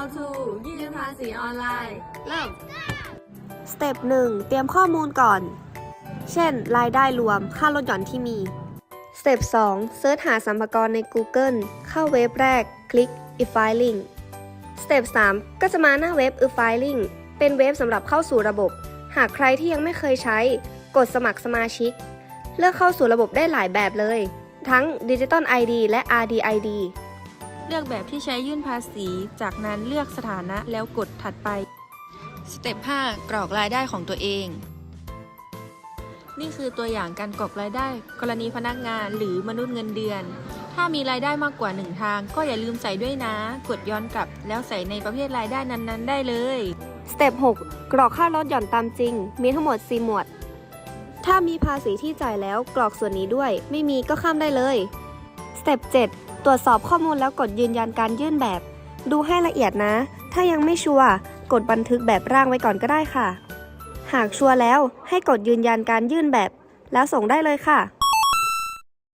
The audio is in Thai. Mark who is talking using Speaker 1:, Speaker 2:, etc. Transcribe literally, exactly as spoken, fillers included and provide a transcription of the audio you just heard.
Speaker 1: to ยื่นภาษีออนไลน์เริ่ม
Speaker 2: สเต็ปหนึ่งเตรียมข้อมูลก่อน เช่น รายได้รวม ค่าลดหย่อนที่มี สเต็ปสองเสิร์ชหาสรรพากรใน Google เข้าเว็บแรก คลิก e-filing สเต็ปสามก็จะมาหน้าเว็บ e-filing เป็นเว็บสำหรับเข้าสู่ระบบ หากใครที่ยังไม่เคยใช้ กดสมัครสมาชิก เลือกเข้าสู่ระบบได้หลายแบบเลย ทั้ง Digital ไอ ดี และ อาร์ ดี ไอ ดี
Speaker 3: เลือกแบบที่ใช้ยื่นภาษี จากนั้นเลือกสถานะแล้วกดถัดไป สเต็ปห้ากรอกรายได้ของตัวเอง นี่คือตัวอย่างการกรอกรายได้ กรณีพนักงานหรือมนุษย์เงินเดือน ถ้ามีรายได้มากกว่าหนึ่งทาง ก็อย่าลืมใส่ด้วยนะ กดย้อนกลับแล้วใส่ในประเภทรายได้นั้นๆ ได้เลย
Speaker 2: สเต็ปหกกรอกค่าลดหย่อนตามจริง มีทั้งหมดสี่หมวด ถ้ามีภาษีที่จ่ายแล้วกรอกส่วนนี้ด้วย ไม่มีก็ข้ามได้เลย สเต็ปเจ็ดตรวจสอบข้อมูลแล้วกดยืนยันการยื่นแบบ ดูให้ละเอียดนะ ถ้ายังไม่ชัวร์กดบันทึกแบบร่างไว้ก่อนก็ได้ค่ะ หากชัวร์แล้วให้กดยืนยันการยื่นแบบ แล้วส่งได้เลยค่ะ